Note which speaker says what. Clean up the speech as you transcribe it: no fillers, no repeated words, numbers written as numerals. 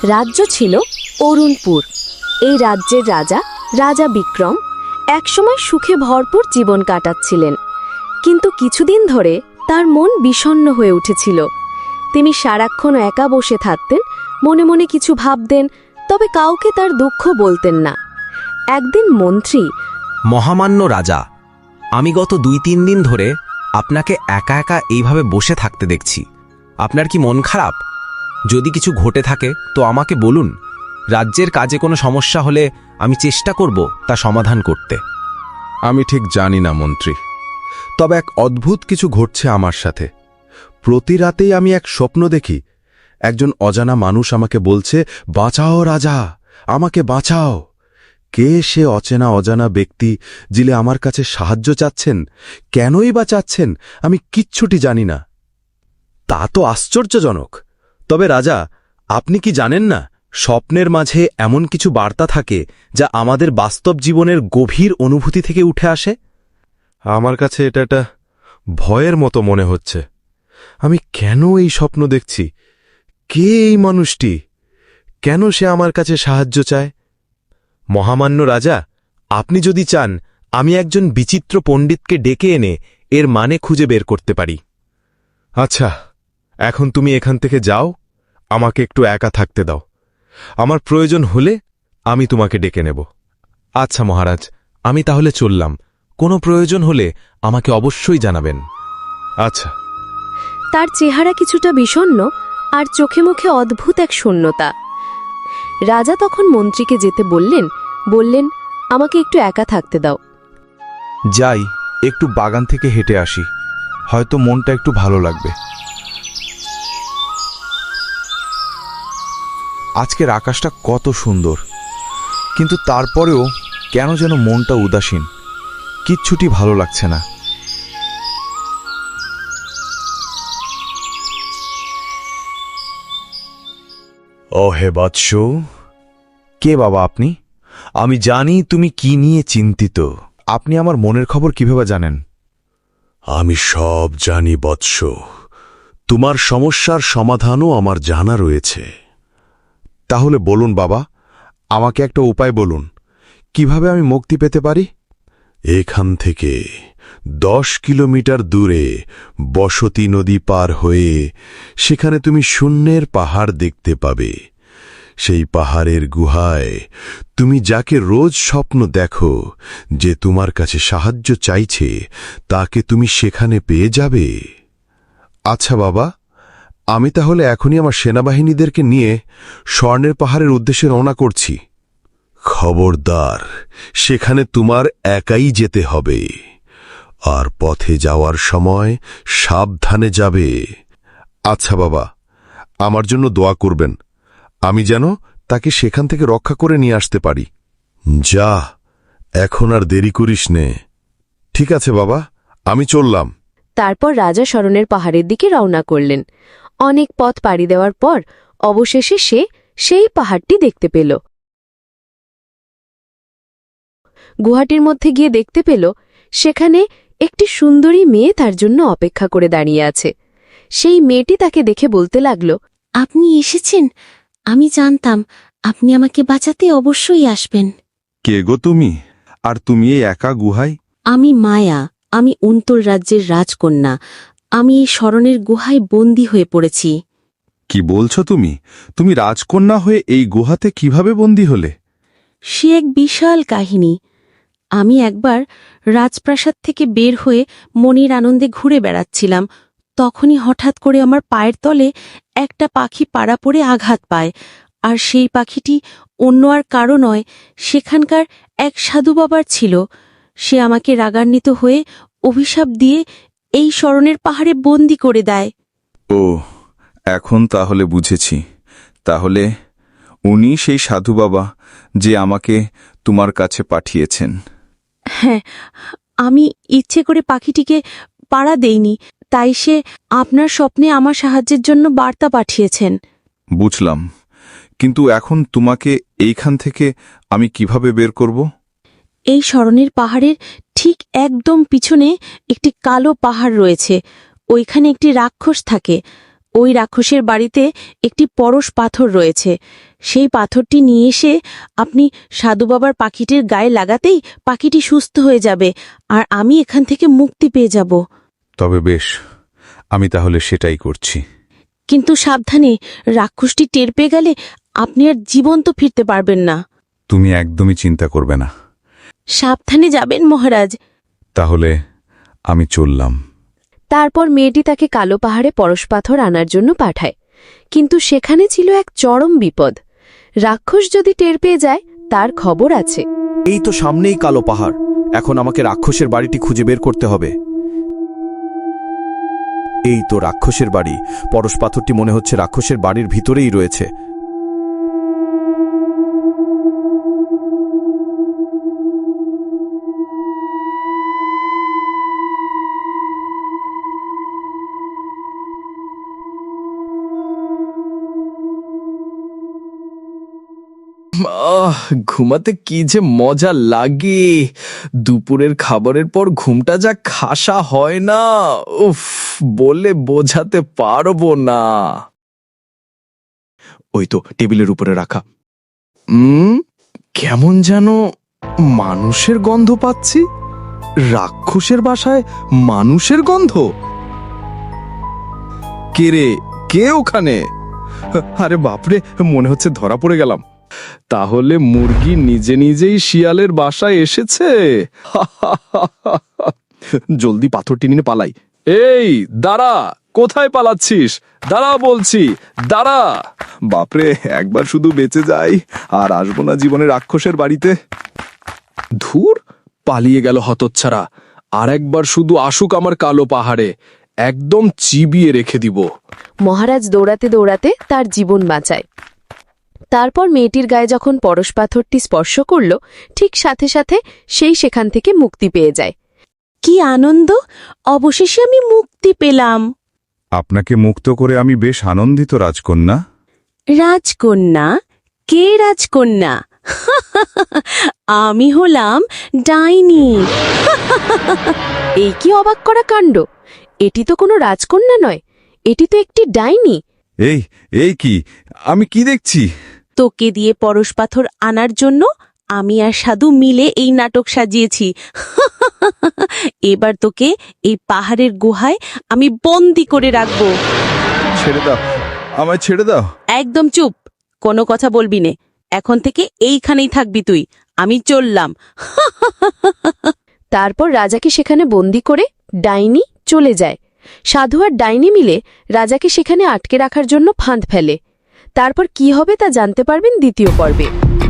Speaker 1: রাজ্য ছিল অরুণপুর। এই রাজ্যের রাজা রাজা বিক্রম একসময় সুখে ভরপুর জীবন কাটাচ্ছিলেন, কিন্তু কিছুদিন ধরে তার মন বিষণ্ণ হয়ে উঠেছিল। তিনি সারাক্ষণ একা বসে থাকতেন, মনে মনে কিছু ভাবতেন, তবে কাউকে তার দুঃখ বলতেন না। একদিন মন্ত্রী,
Speaker 2: মহামান্য রাজা, আমি গত 2-3 দিন ধরে আপনাকে একা একা এইভাবে বসে থাকতে দেখছি। আপনার কি মন খারাপ? যদি কিছু ঘটে থাকে তো আমাকে বলুন। রাজ্যের কাজে কোনো সমস্যা হলে আমি চেষ্টা করব তা সমাধান করতে।
Speaker 3: আমি ঠিক জানি না মন্ত্রী, তবে এক অদ্ভুত কিছু ঘটছে আমার সাথে। প্রতি রাতেই আমি এক স্বপ্ন দেখি। একজন অজানা মানুষ আমাকে বলছে, বাঁচাও রাজা, আমাকে বাঁচাও। কে সে অজানা ব্যক্তি যিনি আমার কাছে সাহায্য চাচ্ছেন? কেনই বা চাচ্ছেন আমি কিচ্ছুটি জানি না। তা তো আশ্চর্যজনক। তবে রাজা, আপনি কি জানেন না, স্বপ্নের মাঝে এমন কিছু বার্তা থাকে যা আমাদের বাস্তব জীবনের গভীর অনুভূতি থেকে উঠে আসে? আমার কাছে এটা একটা ভয়ের মতো মনে হচ্ছে। আমি কেন এই স্বপ্ন দেখছি? কে এই মানুষটি? কেন সে আমার কাছে সাহায্য চায়? মহামান্য রাজা, আপনি যদি চান আমি একজন বিচিত্র পণ্ডিতকে ডেকে এনে এর মানে খুঁজে বের করতে পারি। আচ্ছা, এখন তুমি এখান থেকে যাও, আমাকে একটু একা থাকতে দাও। আমার প্রয়োজন হলে আমি তোমাকে ডেকে নেব। আচ্ছা মহারাজ, আমি তাহলে চললাম। কোনো প্রয়োজন হলে আমাকে অবশ্যই জানাবেন। আচ্ছা।
Speaker 1: তার চেহারা কিছুটা বিষণ্ণ আর চোখে মুখে অদ্ভুত এক শূন্যতা। রাজা তখন মন্ত্রীকে যেতে বললেন, আমাকে একটু একা থাকতে দাও।
Speaker 4: যাই, একটু বাগান থেকে হেঁটে আসি, হয়তো মনটা একটু ভালো লাগবে। আজকের আকাশটা কত সুন্দর, কিন্তু তারপরেও কেন যেন মনটা উদাসীন, কিচ্ছুটি ভালো লাগছে না।
Speaker 5: ও হে বৎস,
Speaker 4: কে বাবা আপনি?
Speaker 5: আমি জানি তুমি কি নিয়ে চিন্তিত।
Speaker 4: আপনি আমার মনের খবর কিভাবে জানেন?
Speaker 5: আমি সব জানি বৎস, তোমার সমস্যার সমাধানও আমার জানা রয়েছে।
Speaker 4: তাহলে বলুন বাবা, আমাকে একটা উপায় বলুন, কিভাবে আমি মুক্তি পেতে পারি?
Speaker 5: এখান থেকে 10 কিলোমিটার দূরে বসতি নদী পার হয়ে সেখানে তুমি শূন্যের পাহাড় দেখতে পাবে। সেই পাহাড়ের গুহায় তুমি যাকে রোজ স্বপ্ন দেখো যে তোমার কাছে সাহায্য চাইছে, তাকে তুমি সেখানে পেয়ে যাবে।
Speaker 4: আচ্ছা বাবা, আমি তাহলে এখনই আমার সেনাবাহিনীদেরকে নিয়ে স্বর্ণের পাহাড়ের উদ্দেশ্যে রওনা করছি।
Speaker 5: খবরদার, সেখানে তোমার একাই যেতে হবে, আর পথে যাওয়ার সময় সাবধানে যাবে।
Speaker 4: আচ্ছা বাবা, আমার জন্য দোয়া করবেন, আমি যেন তাকে সেখান থেকে রক্ষা করে নিয়ে আসতে পারি।
Speaker 5: যা, এখন আর দেরি করিস নে।
Speaker 4: ঠিক আছে বাবা, আমি চললাম।
Speaker 1: তারপর রাজা স্মরণের পাহাড়ের দিকে রওনা করলেন। অনেক পথ পাড়ি দেওয়ার পর অবশেষে সে সেই পাহাড়টি দেখতে পেল। গুহাটির মধ্যে গিয়ে দেখতে পেল সেখানে একটি সুন্দরী মেয়ে তার জন্য অপেক্ষা করে দাঁড়িয়ে আছে। সেই মেয়েটি তাকে দেখে বলতে লাগল,
Speaker 6: আপনি এসেছেন, আমি জানতাম আপনি আমাকে বাঁচাতে অবশ্যই আসবেন।
Speaker 4: কে গো তুমি? আর তুমি এই একা গুহায়?
Speaker 6: আমি মায়া, আমি অন্তর রাজ্যের রাজকন্যা। আমি এই স্মরণের গুহায় বন্দী হয়ে পড়েছি।
Speaker 4: কি বলছো তুমি? তুমি রাজকন্যা হয়ে এই গুহাতে কিভাবে বন্দী হলে?
Speaker 6: সে এক বিশাল কাহিনী। আমি একবার রাজপ্রাসাদ থেকে বের হয়ে মনির আনন্দে ঘুরে বেড়াচ্ছিলাম। তখনই হঠাৎ করে আমার পায়ের তলে একটা পাখি পাড়া পড়ে আঘাত পায়, আর সেই পাখিটি অন্য আর কারো নয়, সেখানকার এক সাধু বাবার ছিল। সে আমাকে রাগান্বিত হয়ে অভিশাপ দিয়ে এই স্মরণের পাহাড়ে বন্দী করে দেয়।
Speaker 4: ও, এখন তাহলে বুঝেছি। তাহলে উনি সেই সাধু বাবা যে আমাকে তোমার কাছে পাঠিয়েছেন।
Speaker 6: হ্যাঁ, আমি ইচ্ছে করে পাখিটিকে পাড়া দেইনি, তাই সে আপনার স্বপ্নে আমার সাহায্যের জন্য বার্তা পাঠিয়েছেন।
Speaker 4: বুঝলাম, কিন্তু এখন তোমাকে এইখান থেকে আমি কিভাবে বের করব?
Speaker 6: এই স্মরণের পাহাড়ের ঠিক একদম পিছনে একটি কালো পাহাড় রয়েছে। ওইখানে একটি রাক্ষস থাকে। ওই রাক্ষসের বাড়িতে একটি পরশ পাথর রয়েছে। সেই পাথরটি নিয়ে এসে আপনি সাধু বাবার পাখিটির গায়ে লাগাতেই পাখিটি সুস্থ হয়ে যাবে আর আমি এখান থেকে মুক্তি পেয়ে যাব।
Speaker 4: তবে বেশ, আমি তাহলে সেটাই করছি।
Speaker 6: কিন্তু সাবধানে, রাক্ষসটি টের পেয়ে গেলে আপনি আর জীবন্ত ফিরতে পারবেন না।
Speaker 4: তুমি একদমই চিন্তা করবে না।
Speaker 6: সাবধানে যাবেন মহারাজ।
Speaker 4: তাহলে আমি চললাম।
Speaker 1: তারপর মেয়েটি তাকে কালো পাহাড়ে পরশপাথর আনার জন্য পাঠায়, কিন্তু সেখানে ছিল এক চরম বিপদ। রাক্ষস যদি টের পেয়ে যায় তার খবর আছে।
Speaker 2: এই তো সামনেই কালো পাহাড়, এখন আমাকে রাক্ষসের বাড়িটি খুঁজে বের করতে হবে। এই তো রাক্ষসের বাড়ি, পরশ পাথরটি মনে হচ্ছে রাক্ষসের বাড়ির ভিতরেই রয়েছে। ঘুমাতে কি যে মজা লাগে, দুপুরের খাবারের পর ঘুমটা যা খাসা হয় না, উফ, বলে বোঝাতে পারবো না। ওই তো টেবিলের উপরে রাখা। কেমন যেন মানুষের গন্ধ পাচ্ছি। রাক্ষসের বাসায় মানুষের গন্ধ? কে রে, কে ওখানে? আরে বাপরে, মনে হচ্ছে ধরা পড়ে গেলাম। তাহলে মুরগি নিজে নিজেই শিয়ালের বাসায় এসেছে। জলদি পাথরটি নিয়ে পালাই। এই দাঁড়া, কোথায় পালাচ্ছিস? দাঁড়া বলছি, দাঁড়া। বাপরে, একবার শুধু বেঁচে যাই আর আসবো না জীবনে রাক্ষসের বাড়িতে। ধুর, পালিয়ে গেল হতচ্ছাড়া। আর একবার শুধু আসুক আমার কালো পাহাড়ে, একদম চিবিয়ে রেখে দিব।
Speaker 1: মহারাজ দৌড়াতে দৌড়াতে তার জীবন বাঁচায়। তারপর মেয়েটির গায়ে যখন পরশ পাথরটি স্পর্শ করল, ঠিক সাথে সাথে সেই সেখান থেকে মুক্তি পেয়ে যায়।
Speaker 6: কি আনন্দ! অবশেষে আমি মুক্তি পেলাম।
Speaker 4: আপনাকে মুক্ত করে আমি বেশ আনন্দিত রাজকন্যা।
Speaker 6: রাজকন্যা? কে রাজকন্যা? আমি হলাম ডাইনি।
Speaker 1: এই কি অবাক করা কাণ্ড! এটি তো কোনো রাজকন্যা নয়, এটি তো একটি ডাইনি।
Speaker 4: এই কি আমি কি দেখছি?
Speaker 6: তোকে দিয়ে পরশ পাথর আনার জন্য আমি আর সাধু মিলে এই নাটক সাজিয়েছি। এবার তোকে এই পাহাড়ের গুহায় আমি বন্দি করে রাখবো।
Speaker 4: ছেড়ে দাও, আমায় ছেড়ে দাও।
Speaker 6: একদম চুপ, কোনো কথা বলবি নে। এখন থেকে এইখানেই থাকবি তুই। আমি চললাম।
Speaker 1: তারপর রাজাকে সেখানে বন্দি করে ডাইনি চলে যায়। সাধু আর ডাইনি মিলে রাজাকে সেখানে আটকে রাখার জন্য ফাঁদ ফেলে। তারপর কি হবে তা জানতে পারবেন দ্বিতীয় পর্বে।